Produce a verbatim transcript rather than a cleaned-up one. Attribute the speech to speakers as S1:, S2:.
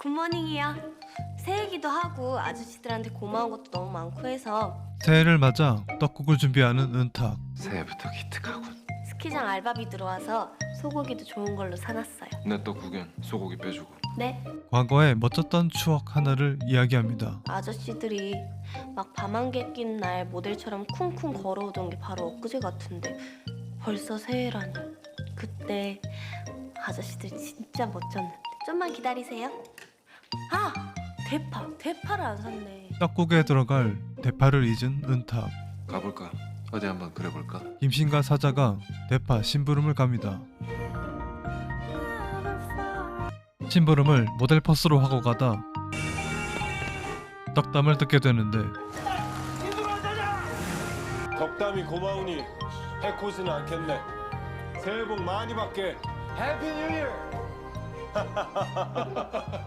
S1: 굿모닝이요. 새해기도 하고 아저씨들한테 고마운 것도 너무 많고 해서
S2: 새해를 맞아 떡국을 준비하는 은탁.
S3: 새해부터 기특하군.
S1: 스키장 알바비 들어와서 소고기도 좋은 걸로 사놨어요.
S3: 내 떡국엔 소고기 빼주고.
S1: 네,
S2: 과거의 멋졌던 추억 하나를 이야기합니다.
S1: 아저씨들이 막 밤안개 낀 날 모델처럼 쿵쿵 걸어오던 게 바로 엊그제 같은데 벌써 새해라니. 그때 아저씨들 진짜 멋졌는데. 좀만 기다리세요. 아! 대파! 대파를 안 샀네.
S2: 떡국에 들어갈 대파를 잊은 은탁.
S3: 가볼까? 어디 한번 그려볼까?
S2: 김신과 사자가 대파 심부름을 갑니다. 심부름을 모델 퍼스로 하고 가다 떡담을 듣게 되는데
S4: 덕담이 고마우니 해코지는 않겠네. 새해 복 많이 받게. 해피 뉴 이어!